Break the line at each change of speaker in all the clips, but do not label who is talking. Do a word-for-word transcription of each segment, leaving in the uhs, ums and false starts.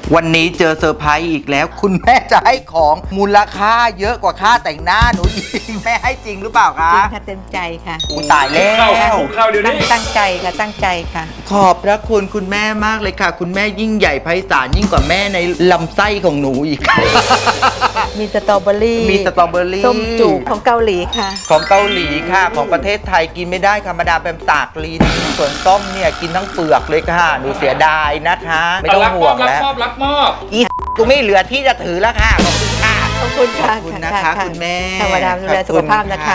วันนี้เจอเซอร์ไพรส์อีกแล้ว คุณแม่จะให้ของมูลค่าเยอะกว่าค่าแต่งหน้าหนูอีกแม่ให้จริงหรือเปล่าคะ
จริงค่ะเต็มใจค่ะ
อู้ตายแล้
เข้าว เข้าเดี๋ยว
ตั้
นี้
งตั้งใจค่ะตั้งใจค่ะ
ขอบพระคุณคุณแม่มากเลยค่ะ คุณแม่ยิ่งใหญ่ไพศาลยิ่งกว่าแม่ในลำไส้ของหนูอีก
มีสตรอเบอรี่
มีสตรอเบอรี่
ส้มจูบของเกาหลีค่ะ
ของเกาหลีค่ะ ของประเทศไทยกินไม่ได้ค่ะมาดามแปมสากลิ้นส่วนส้มเนี่ยกินทั้งเปลือกเลยค่ะหนูเสียดายนะคะ ไม่ต้อง
รับ
ห่
ม
ว
อง บรับ
แล้ว
มอบรับมอบ
อีกูไม่เหลือที่จะถือแล้วค่ะขอบคุณค่ะ
ขอบคุณค่ะ
ขอบคุณนะคะคุณแม่
ธรรมดาดูแลสุขภาพนะคะ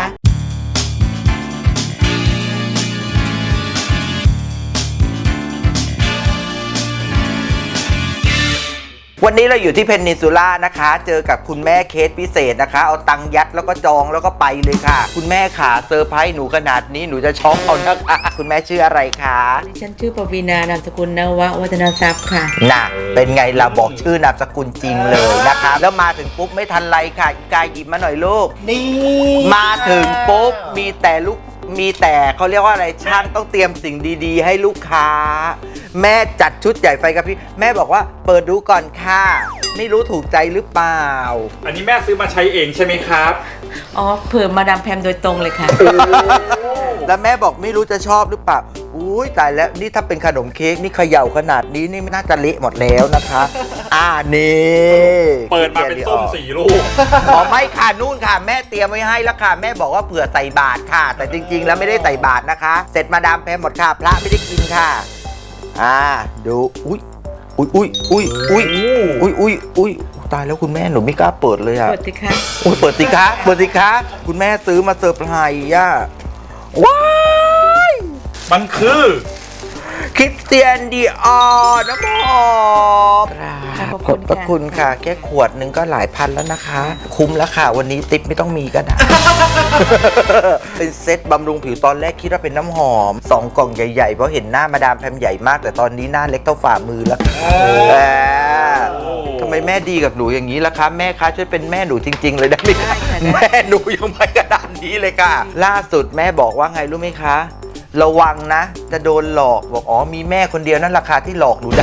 วันนี้เราอยู่ที่เพนนินซูล่านะคะ เจอกับคุณแม่เคสพิเศษนะคะ เอาตังค์ยัดแล้วก็จองแล้วก็ไปเลยค่ะ คุณแม่ขาเซอร์ไพรส์หนูขนาดนี้หนูจะช็อกเอานะคะคุณแม่ชื่ออะไรคะ
ดิฉันชื่อปวีณานามสกุลนวะวัฒนทรัพย์ค่ะ
น่ะเป็นไงเราบอกชื่อนามสกุลจริงเลยนะคะแล้วมาถึงปุ๊บไม่ทันไรค่ะอีกายหยิบมาหน่อยลูก
นี่
มาถึงปุ๊บมีแต่ลูกมีแต่เขาเรียกว่าอะไรช่างต้องเตรียมสิ่งดีๆ ให้ลูกค้า แม่จัดชุดใหญ่ไฟกระพริบแม่บอกว่าเปิดดูก่อนค่ะไม่รู้ถูกใจหรือเปล่า
อันนี้แม่ซื้อมาใช้เองใช่ไหมครับ
อ๋อเผื่อมาดามแพมโดยตรงเลยค่ะ
แล้วแม่บอกไม่รู้จะชอบหรือเปล่าอุ้ยตายแล้วนี่ถ้าเป็นขนมเค้กนี่เขย่าขนาดนี้นี่ไม่น่าจะเละหมดแล้วนะคะ อ่านี่
เปิดมาเป็นส้มสี่ลูก
อ๋อไม่ค่ะนู่นค่ะ แม่เตรียมไว้ให้แล้วค่ะแม่บอกว่าเผื่อใส่บาตรค่ะ แต่จริง ๆ แล้วไม่ได้ใส่บาตรนะคะ เสร็จมาดามแพมหมดค่ะพระไม่ได้กินค่ะ อ่าดูอุ้ยอุ้ยอุ้ยอุ้ยอุ้ยอุ้ยอุ้ยอุ้ยตายแล้วคุณแม่หนูไม่กล้าเปิดเลยอะ
เปิดสิคะ
อุ้ยเปิดสิคะเปิดสิคะคุณแม่ซื้อมาเซอร์ไพรส์อ่ะว้าย
มันคือ
คริสเตียนดีออร์น้ำหอมขอบพระคุณค่ะ แค่ขวดหนึ่งก็หลายพันแล้วนะคะ คุ้มแล้วค่ะ วันนี้ติ๊บไม่ต้องมีก็ได้ เป็นเซตบำรุงผิวตอนแรกคิดว่าเป็นน้ำหอมสองกล่องใหญ่ๆ เพราะเห็นหน้ามาดามแพมใหญ่มาก แต่ตอนนี้หน้าเล็กเท่าฝ่ามือแล้วค่ะแหมทำไมแม่ดีกับหนูอย่างนี้ล่ะคะ แม่คะช่วยเป็นแม่หนูจริง ๆ เลยได้ไหมคะแม่หนูยังไม่กระดานนี้เลยค่ะ ล่าสุดแม่บอกว่าไงรู้ไหมคะ ระวังนะ จะโดนหลอกบอกอ๋อมีแม่คนเดียวนั่นราคาที่หลอกหนูได้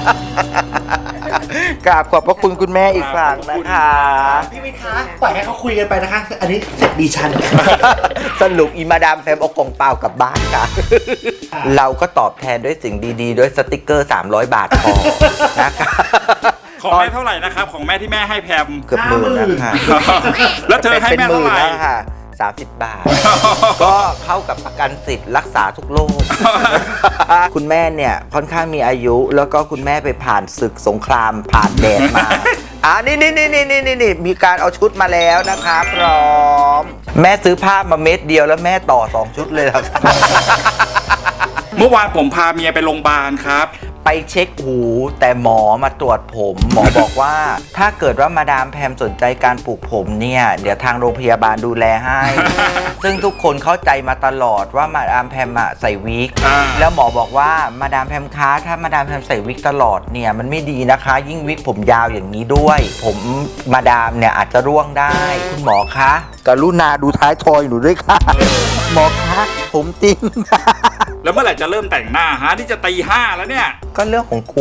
กราบขอบพระคุณคุณแม่อีกครั้งนะคะ
พี่วิทย์คะปล่อยให้เขาคุยกันไปนะคะ อันนี้เสร็จดีฉัน
สรุปอีมาดามแฟมเอากล่องเปล่ากลับบ้านค่ะ เราก็ตอบแทนด้วยสิ่งดีๆ ด้วยสติกเกอร์ สามร้อย บาทพอนะคะ
ของแม่เท่าไหร่นะครับ ของแม่ที่แม่ให้แพม
เกือบหมื่นนะคะ
แล้วเธอให้แม่เท่าไหร่
ป็นนแล้วค่ะสามสิบบาท ก็เข้ากับประกันสิทธิ์รักษาทุกโรค คุณแม่เนี่ยค่อนข้างมีอายุ แล้วก็คุณแม่ไปผ่านศึกสงครามผ่านแดดมา อ่านี่นี่นี่นี่นี่นี่มีการเอาชุดมาแล้วนะคะพร้อม แม่ซื้อผ้ามาเม็ดเดียวแล้วแม่ต่อสองชุดเลยเหรอคะ
เมื่อวานผมพาเมียไปโรงพยาบาลครับ
ไปเช็คหูแต่หมอมาตรวจผม หมอบอกว่า ถ้าเกิดว่ามาดามแพมสนใจการปลูกผมเนี่ย เดี๋ยวทางโรงพยาบาลดูแลให้ ซึ่งทุกคนเข้าใจมาตลอดว่ามาดามแพมอะใส่วิก
อ่า
แล้วหมอบอกว่ามาดามแพมคะถ้ามาดามแพมใส่วิกตลอดเนี่ยมันไม่ดีนะคะ ยิ่งวิกผมยาวอย่างนี้ด้วย ผมมาดามเนี่ยอาจจะร่วงได้ คุณหมอคะกรุณาดูท้ายทอยหนูด้วยค่ะ หมอคะผมจริงค่ะ
แล้วเมื่อไหร่จะเริ่มแต่งหน้าฮะนี่จะตีห้าแล้วเนี่ย
ก็เรื่องของกู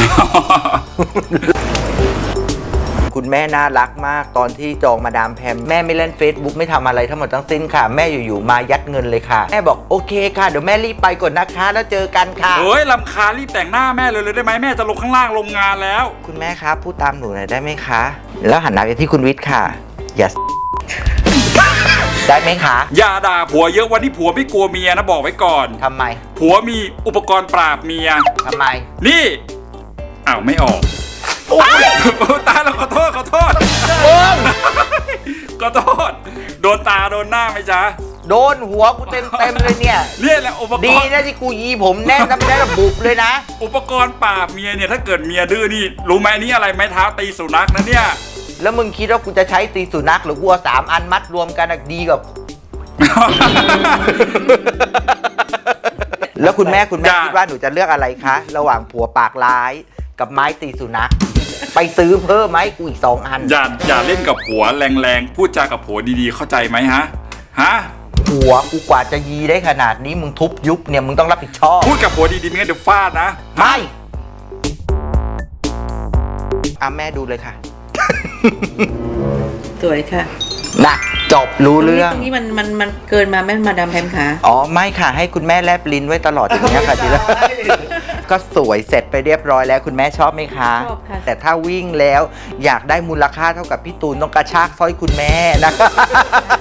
คุณแม่น่ารักมากตอนที่จองมาดามแพมแม่ไม่เล่น Facebook ไม่ทำอะไรทั้งหมดทั้งสิ้นค่ะ แม่อยู่ๆมายัดเงินเลยค่ะ แม่บอกโอเคค่ะ เดี๋ยวแม่รีบไปก่อนนะคะ แล้วเจอกันค่ะ
โอ้ยลำคาญรีบแต่งหน้าแม่เลยเลยได้ไหมแม่จะลงข้างล่างลงงานแล้ว
คุณแม่ครับพูดตามหนูหน่อยได้ไหมคะ แล้วหันหน้าไปที่คุณวิทย์ค่ะ อย่า ได้ไหมคะ
อย่าด่าผัวเยอะวันนี้ผัวไม่กลัวเมียนะบอกไว้ก่อน
ทำไม
ผัวมีอุปกรณ์ปราบเมีย
ทำไม
นี่ อ้าวไม่ออกโอ้ยตาเราขอโทษขอโทษขอโทษ โดนตาโดนหน้าไหมจ๊ะ
โดนหัวกูเต็มเต็มๆเลยเนี่ย
เนี่ยแหละอุปก
ดี
รณ์
นะที่กูยีผมแน่นทำได้ระบุเลยนะ
อุปกรณ์ปราบเมียเนี่ยถ้าเกิดเมียดื้อนี่รู้ไหมนี่อะไรไม้เท้าตีสุนัขนะเนี่ย
แล้วมึงคิดว่ากูจะใช้ตีสุนัขหรือกูเอาสามอันมัดรวมกันอะดีกว่า แล้วคุณแม่คุณแม่
อย่า
คิดว่าหนูจะเลือกอะไรคะ ระหว่างผัวปากร้ายกับไม้ตีสุนัข ไปซื้อเพิ่มไหมกูอีกสองอัน
อย่าอย่าเล่นกับผัวแรงๆพูดจากับผัวดีๆเข้าใจไหมฮะฮะ
ผัวกูกว่าจะยีได้ขนาดนี้มึงทุบยุบเนี่ยมึงต้องรับผิดชอบ
พูดกับผัวดีๆไม่งั้นเดี๋ยวฟาดนะ
ไม่อ่ะแม่ดูเลยค่ะ
สวยค่ะ
นะจบรู้เรื่อง
ตรงนี้มันมันมันเกินมาแม่มาดามแพมค่ะ
อ๋อไม่ค่ะให้คุณแม่แลบลิ้นไว้ตลอดอย่างเงี้ยค่ะทีละ ก็สวยเสร็จไปเรียบร้อยแล้วคุณแม่ชอบไหมคะ
ชอบค่ะ
แต่ถ้าวิ่งแล้วอยากได้มูลค่าเท่ากับพี่ตูนต้องกระชากสร้อยคุณแม่นะคะ